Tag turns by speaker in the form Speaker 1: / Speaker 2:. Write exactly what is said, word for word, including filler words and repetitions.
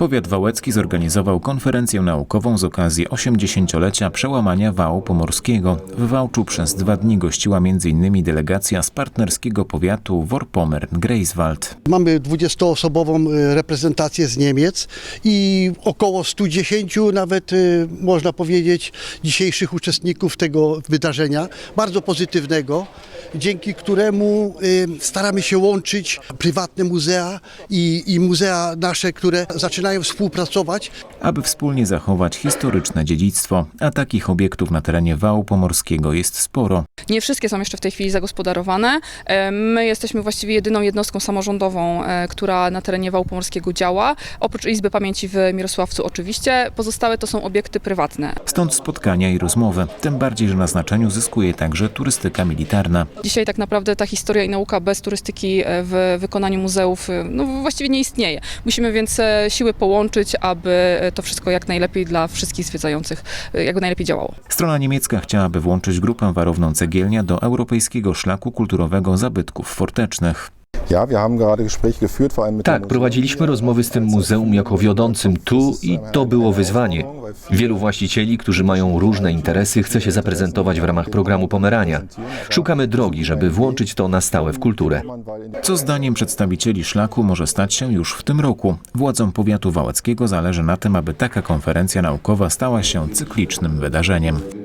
Speaker 1: Powiat wałecki zorganizował konferencję naukową z okazji osiemdziesięciolecia przełamania wału pomorskiego. W Wałczu przez dwa dni gościła między innymi delegacja z partnerskiego powiatu Vorpommern-Greifswald.
Speaker 2: Mamy dwudziestoosobową reprezentację z Niemiec i około stu dziesięciu nawet, można powiedzieć, dzisiejszych uczestników tego wydarzenia, bardzo pozytywnego, dzięki któremu staramy się łączyć prywatne muzea i, i muzea nasze, które zaczynają współpracować.
Speaker 1: Aby wspólnie zachować historyczne dziedzictwo, a takich obiektów na terenie wału pomorskiego jest sporo.
Speaker 3: Nie wszystkie są jeszcze w tej chwili zagospodarowane. My jesteśmy właściwie jedyną jednostką samorządową, która na terenie wału pomorskiego działa. Oprócz Izby Pamięci w Mirosławcu oczywiście, pozostałe to są obiekty prywatne.
Speaker 1: Stąd spotkania i rozmowy, tym bardziej, że na znaczeniu zyskuje także turystyka militarna.
Speaker 3: Dzisiaj tak naprawdę ta historia i nauka bez turystyki w wykonaniu muzeów no, właściwie nie istnieje. Musimy więc siły połączyć, aby to wszystko jak najlepiej dla wszystkich zwiedzających jakby najlepiej działało.
Speaker 1: Strona niemiecka chciałaby włączyć grupę warowną Cegielnia do Europejskiego Szlaku Kulturowego Zabytków Fortecznych.
Speaker 4: Tak, prowadziliśmy rozmowy z tym muzeum jako wiodącym tu i to było wyzwanie. Wielu właścicieli, którzy mają różne interesy, chce się zaprezentować w ramach programu Pomerania. Szukamy drogi, żeby włączyć to na stałe w kulturę.
Speaker 1: Co zdaniem przedstawicieli szlaku może stać się już w tym roku. Władzom powiatu wałeckiego zależy na tym, aby taka konferencja naukowa stała się cyklicznym wydarzeniem.